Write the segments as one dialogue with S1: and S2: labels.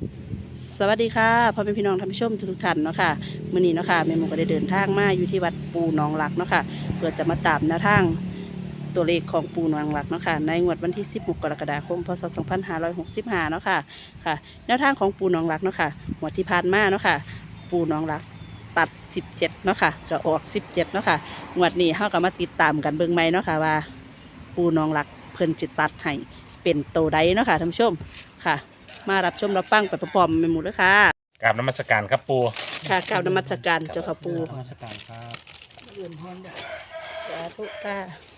S1: สวัสดีค่ะพ่อแม่พี่น้องท่านผู้ชมทุกท่านเนาะค่ะมื้อนี้เนาะค่ะแม่หมูก็ได้เดินทางมาอยู่ที่วัดปูหนองหลักเนาะค่ะเพื่อจะมาตามแนวทางตัวเลขของปูหนองหลักเนาะค่ะในงวดวันที่16กรกฎาคมพศ2565เนาะค่ะค่ะแนวทางของปูหนองหลักเนาะค่ะงวดที่ผ่านมาเนาะค่ะปูหนองหลักตัด17เนาะค่ะก็ออก17เนาะค่ะงวดนี้เฮาก็มาติดตามกันเบิ่งใหม่เนาะค่ะว่าปูหนองหลักเพิ่นจิตัดให้เป็นโตวใดเนาะค่ะท่านผู้ชมค่ะ มารับชมรับฟังไปพร้อมๆไปหมดเลยค่ะ
S2: กราบนมัสการครับปู
S1: ค่ะกล่าวนมัสการเจ้าค่ะปู
S3: นมัสการครับ
S1: เรียนพรเด้อสาธุค่ะ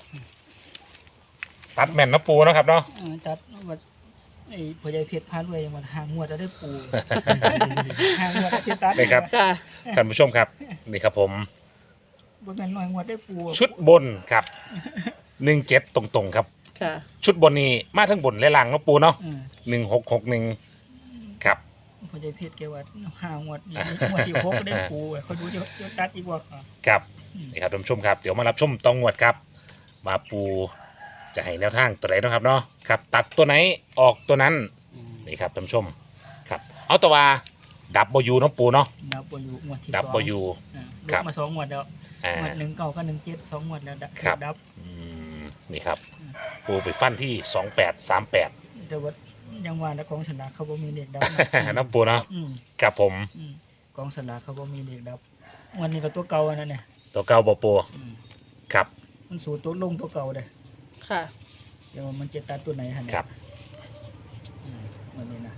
S2: ตัดแม่นเนาะปูเนาะครับเนาะ
S3: จัดวัดไอ้พ่อใหญ่เพชรพาด้วยวันหางงวดจะได้ปู หางงวดจะตัด
S2: นี่ครับ
S1: ค่ะ
S2: ท่านผู้ชมครับนี่ครับผม
S3: บนแม่นหน่อยงวดได้ปู
S2: ชุดบนครับ17ตรงๆครับ
S1: ค่ะ
S2: ชุดบนนี้มาทั้งบนและล่างเนาะปูเนาะ
S3: อืม
S2: 1661ครับ
S3: พ่อใหญ่เพชรแกว่าหางงวดนี่งวดที่หกก็ได้ปูเขาดูจะตัดอีกว่า
S2: ครับนี่ครับท่านผู้ชมครับเดี๋ยวมารับชมตองงวดครับมาปูจะให้แนวทางตัวไหนเนาะครับเนาะครับตัดตัวไหนออกตัวนั้นนี่ครับท่านผู้ชมครับเอาตัวว่าดับเบิลยูเนาะปูเนาะ
S3: ดับเบิลยูงวดที่
S2: ดับเบิลยู
S3: ล
S2: ครับ
S3: บมา2งวดแล้ว
S2: อ่า
S3: งวด1 9กับ1 7 2งวดแล้ว
S2: ครับ
S3: ดับ
S2: นี่ครับปูไปฟันที่2838
S3: แต่ว่ายังว่าแล้วกองสลากเขาบ่มีเลขดับ
S2: น้ำปูเนาะ
S3: อืม
S2: กับผม
S3: อืมกองสลากเขาบ่มีเลขดับวันนี้ก็ตัวเก่าอันนั้นเนี่ย
S2: ตัวเก้าบปู
S3: อืม
S2: ครับ
S3: มันสูตรตัวลงตัวเก่าเลย
S1: ค่ะ
S3: เดี๋ยวมันจะตัดตัวไหนฮะเนี่ย
S2: ครับ
S3: วันนี้นะ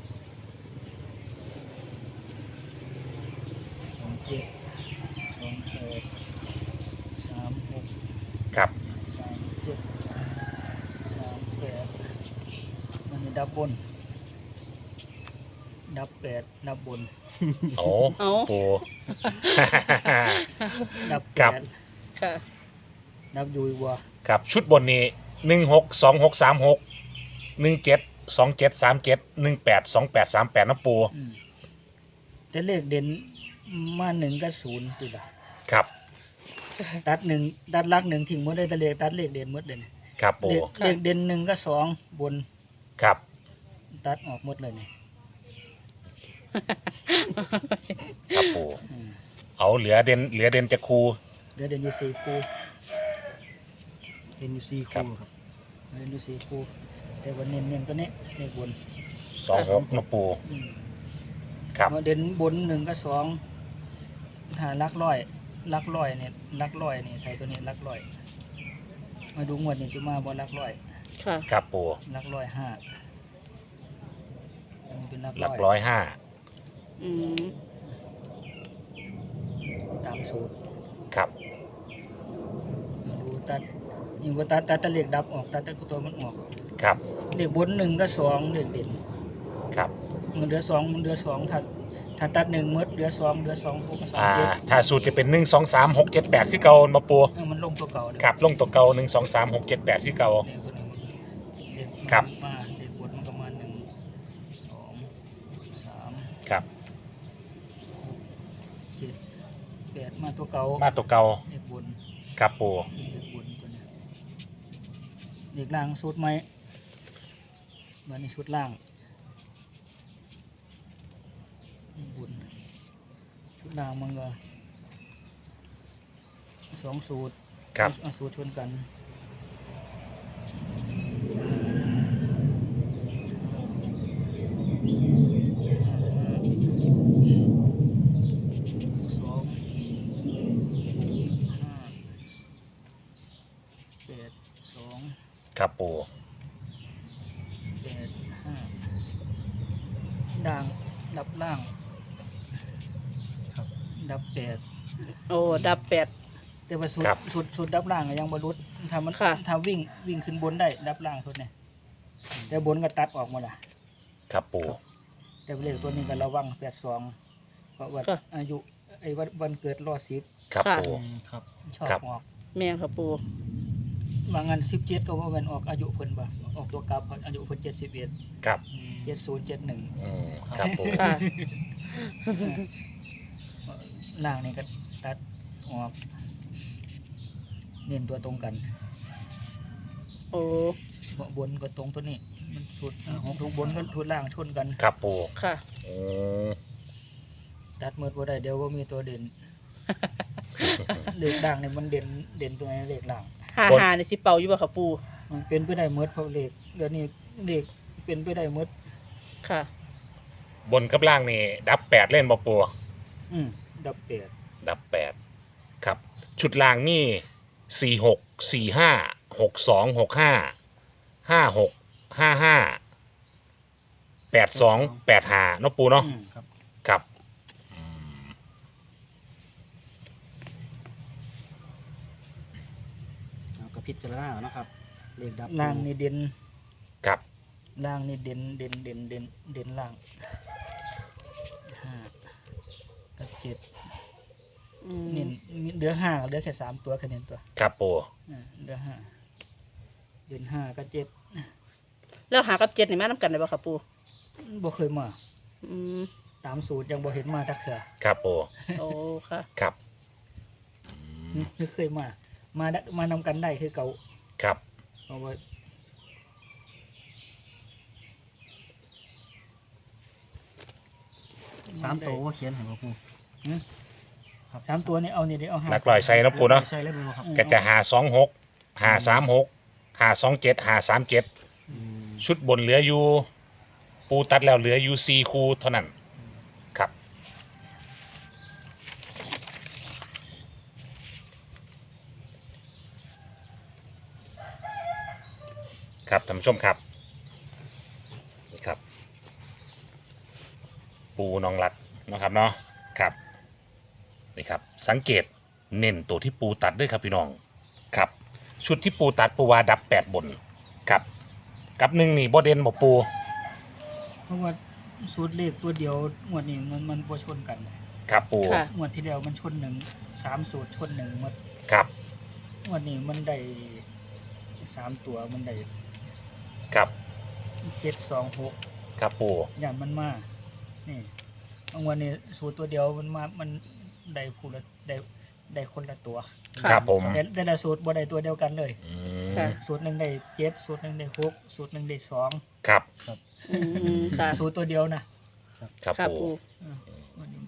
S3: 27 28 36
S2: ครับ
S3: 37 38วันนี้ดับบน ดับ8ดับบน
S2: โอ้
S1: เอา
S2: ปู
S3: ดับ
S2: ครับ
S3: 8
S1: ค่ะ
S3: ดับอยูอีกว่า
S2: ครับชุดบนนี้162636 172737 182838น้ำปู
S3: อืมแต่เลขเด่นมา1กับ0ติดละ
S2: ครับ
S3: ตัด1ตัดหลัก1ทิ้งหมดได้แต่เลขตัดเลขเด่นหมดเลยเนี่ย
S2: ครับปู
S3: เลขเด่น1กับ2บน
S2: ครับ
S3: ตัดออกหมดเลยเนี่ย
S2: ครับปู
S3: อืม
S2: เอาเหลือเด่นจะครู
S3: เดี๋ยวเด่นอยู่4คู่เด่นอยู่4
S2: ครับ
S3: คู่ครับเด่นอยู่4คู่แต่ว่าเน้นตัวนี้เลขบน
S2: 26น้ำปู
S3: อืม
S2: ครับ
S3: เด่นบน1กับ2ถ้าหลักร้อยเนี่ยหลักร้อยนี่ใส่ตัวนี้หลักร้อยมาดูงวดนี้สิมาบ่หลักร้อย
S1: ค่ะ
S2: ครับปู
S3: หลักร้อย5อันนี้เป็นหลัก
S2: หลัก
S3: ร้อย
S2: 105
S1: อืม
S3: ตามสูตร
S2: ครับ
S3: มาดูตัดยิ่งว่าตัดแต่เลขดับออกตัดแต่ตัวมันออก
S2: ครับ
S3: เลขบน1กับ2เลขเด่น
S2: ครับ
S3: มันเหลือ2ถ้าตัด1หมดเหลือ2เหลือ2คู่กับ2เจ็ด
S2: ถ้าสูตรจะเป็น1 2 3 6 7 8คือเก่ามาปู
S3: มันลงตัวเก่าเลย
S2: ครับลงตัวเก่า1 2 3 6 7 8คือเก่า
S3: เลขตัวนี้เลข
S2: ครับ
S3: มาเลขบนมันก็มา1 2 3
S2: ครับ
S3: 7 8มาตัวเก่า
S2: มาตัวเก่า
S3: เลขบน
S2: ครับปู
S3: เลขบนตัวเนี้ยเลขล่างสูตรไหมวันนี้ชุดล่างบนชุดล่างมันก็2สูตร
S2: ครับ
S3: เอาสูตรชนกัน2 5 8 2
S2: ครับปู
S3: 8 5ด่างดับล่างดับ8
S1: โอ้ดับ8
S3: แต่ว่าสุดดับล่างก็ยังบรรุษถ้ามัน
S1: ค่ะ
S3: ถ้าวิ่งขึ้นบนได้ดับล่างสุดเนี่ยแต่บนก็ตัดออกหมดละ
S2: ครับปู
S3: แต่เลขตัวนี้ก็ระวัง82เพราะว่า
S1: ค่ะ
S3: อายุไอ้วันเกิดรอ10
S2: ครับ
S1: ค่ะ
S2: ปู
S3: ครับชอบ
S2: ครับ
S3: ออก
S1: แม่นค่ะปู
S3: บางงาน17ก็ว่ามันออกอายุเพิ่นบ่ออกตัวกลับอายุเพิ่น71
S2: ครับ
S3: 70 71
S2: ครับปู
S1: ค่ะ
S3: ล่างนี่ก็ตัดออกเน้นตัวตรงกัน
S1: โอ้
S3: บนก็ตรงตัวนี้มันสุดทุกบนก็ทุดล่างชนกัน
S2: ครับปู
S1: ค่ะ
S2: โอ้
S3: ตัดหมดบ่ได้เดี๋ยวว่ามีตัวเด่น เลขด่างเนี่ยมันเด่นตัวไหนเลขล่าง
S1: หาในสิเป่าอยู่บ่ค่ะปู
S3: มันเป็นไปได้หมดเพราะเลขเดี๋ยวนี้เลขเป็นไปได้หมด
S1: ค่ะ
S2: บนกับล่างนี่ดับ8เล่นบ่ปู
S3: ดับเปด
S2: ดับ8ครับชุดล่างมี46 45 62 65 56 55 82 85เนาะปูเนาะ
S4: ครับ
S2: ครับ
S4: เอากระพิจารณาเอานะครับเลขดับ
S3: ล่างนี่เด่น
S2: ครับ
S3: ล่างนี่เด่นล่าง5กับ7
S1: อืม
S3: นี่เหลือ5เหลือแค่3ตัวแค่นี้ตัว
S2: ครับปู
S3: เหลือ5เด่น5กับ7
S1: แล้วหากับเจ็ดนี่มานํกันได้บ่ค่ะปู
S3: บ่เคยมา
S1: อืม
S3: ตามสูตรยังบ่เห็นมาจักเทื่อ
S2: ครับปู
S1: โอ้ค่ะ
S2: ครับ
S3: ไม่เคยมานำกันได้คือเก่า
S2: ครับ
S3: เพราะว่า
S4: 3 ตัวว่าเขียนให้บ่ปู
S3: สามตัวนี่เอานี่เดี๋ยวเอา
S2: หลักร้อยใส่เนาะปูเนาะ
S4: ใช่เลยบ่ครับ
S2: ก็จะ526 536 527 537
S4: อืม
S2: ชุดบนเหลืออยู่ ปูตัดแล้วเหลืออยู่4คู่เท่านั้นครับ ครับท่านผู้ชมครับนี่ครับ ปูน้องรักนะครับเนาะครับนี่ครับสังเกตเน้นตัวที่ปูตัดด้วยครับพี่น้องครับ ชุดที่ปูตัดปูว่าดับ8บนครับกับหนึ่งนี่บ่เด่นบ่ปู
S3: เพราะว่าสูตรเลขตัวเดียวงวดนี้มันบ่ชนกัน
S2: ครับปู
S1: ค่ะ
S3: งวดที่แล้วมันชนหนึ่ง3สูตรชนหนึ่งหมด
S2: ครับ
S3: งวดนี้มันได้3ตัวมันได้
S2: ครับ
S3: 726
S2: ครับปู
S3: อย่างมันมานี่บางวันนี้สูตรตัวเดียวมันมามันได้ผู้ละได้คนละตัว
S1: ค่ะ
S2: ครับผม
S3: ได้ละสูตรบ่ได้ตัวเดียวกันเลย
S2: อื
S1: ค่ะ
S2: ม
S3: สูตรหนึ่งได้7สูตรหนึ่งได้6สูตรหนึ่งได้2
S2: ครับ
S1: อืมค่ะ
S3: สูตรตัวเดียวนะครับ
S1: ค่ะ
S2: ปู
S1: ปู
S3: วันนี้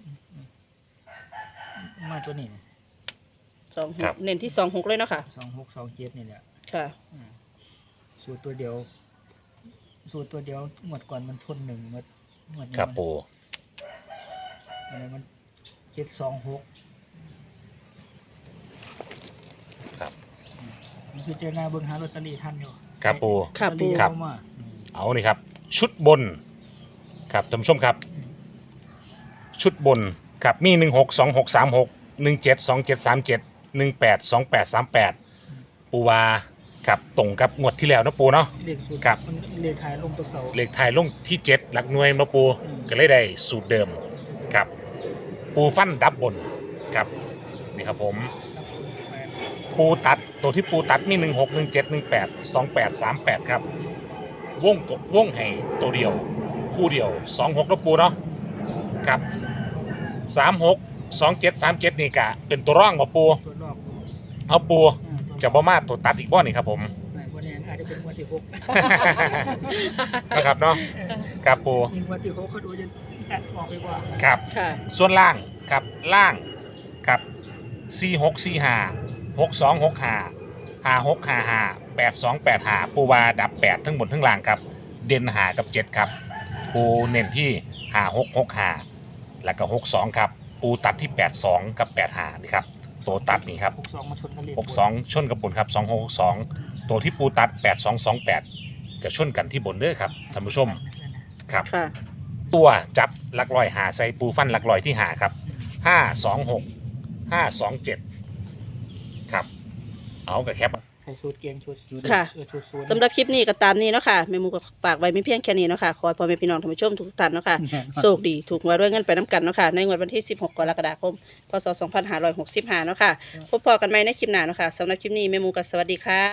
S3: มาตัวนี้
S1: 26เน้นที่26เลยเนาะค่ะ
S3: 2627นี่แหละ
S1: ค่ะ
S3: สูตรตัวเดียว สูตรตัวเดียวหมดก่อนมันชนหนึ่งหมดนี้
S2: ครับปู
S3: อะไรมัน726
S2: ครับ
S3: มันคือเจอหน้าเบิ่งหาลอตเตอรี่ทันอยู่
S2: ครับปู
S1: ค่ะปู
S3: ลอตเตอรี่
S2: ครับ
S3: เอามา
S2: เอานี่ครับ ชุดบนครับท่านผู้ชมครับ ชุดบนครับมี162636 172737 182838ปูวาครับตรงกับงวดที่แล้วเนาะปูเนาะ
S3: เลขสูตร
S2: ครับ
S3: มันเลขขายลงตัวเก่า
S2: เลขไทายลงที่7หลักหน่วยเนาะปู
S3: อืม
S2: ก็เลยได้สูตรเดิมครับปูฟันดับบนครับนี่ครับผมปูตัดตัวที่ปูตัดมี16 17 18 28 38ครับวงให้ตัวเดียวคู่เดียว26แล้วปูเนาะครับ36 27 37นี่กะเป็นตัวร่องมาปู
S3: ตัวรอบ
S2: เอาปูจะบ่มาตัวตัดอีกบ่นี่ครับผม
S3: วันนี้อาจจะเป็นวันที่หก
S2: นะครับเนาะครับปู
S3: ยิงวันที่หกเขาดูจะแอดออกไปกว่า
S2: ครับ
S1: ค่ะ
S2: ส่วนล่างครับล่างครับ4645 6265 5655 8285ปูวาดับ8ทั้งบนทั้งล่างครับเด่นหากับ7ครับปูเน้นที่5665แล้วก็62ครับปูตัดที่82กับ85นี่ครับตัวตัดนี่ครับ
S3: 62มาชนกันเลย
S2: 62ชนกับบนครับ2662ตัวที่ปูตัด8228ก็ชนกันที่บนเด้อครับท่านผู้ชมครับ
S1: ค่ะ
S2: ตัวจับหลักลอยหาใส่ปูฟันหลักลอยที่หาครับ526 527ครับเอากับแคป
S3: ใส่สูตรเกงชุด
S1: ค่ะ
S3: ชุดสูตร
S1: สำหรับคลิปนี้ก็ตามนี้เนาะค่ะแม่หมูก็ฝากไว้ไม่เพียงแค่นี้เนาะค่ะขอให้พ่อแม่พี่น้องท่านผู้ชมทุกท่านเนาะค่ะโชคดีถูกหวยด้วยเงินไปน้ำกันเนาะค่ะในงวดวันที่16กรกฎาคมพศ2565เนาะค่ะพบพอกันใหม่ในคลิปหน้าเนาะค่ะสำหรับคลิปนี้แม่หมูก็สวัสดีค่ะ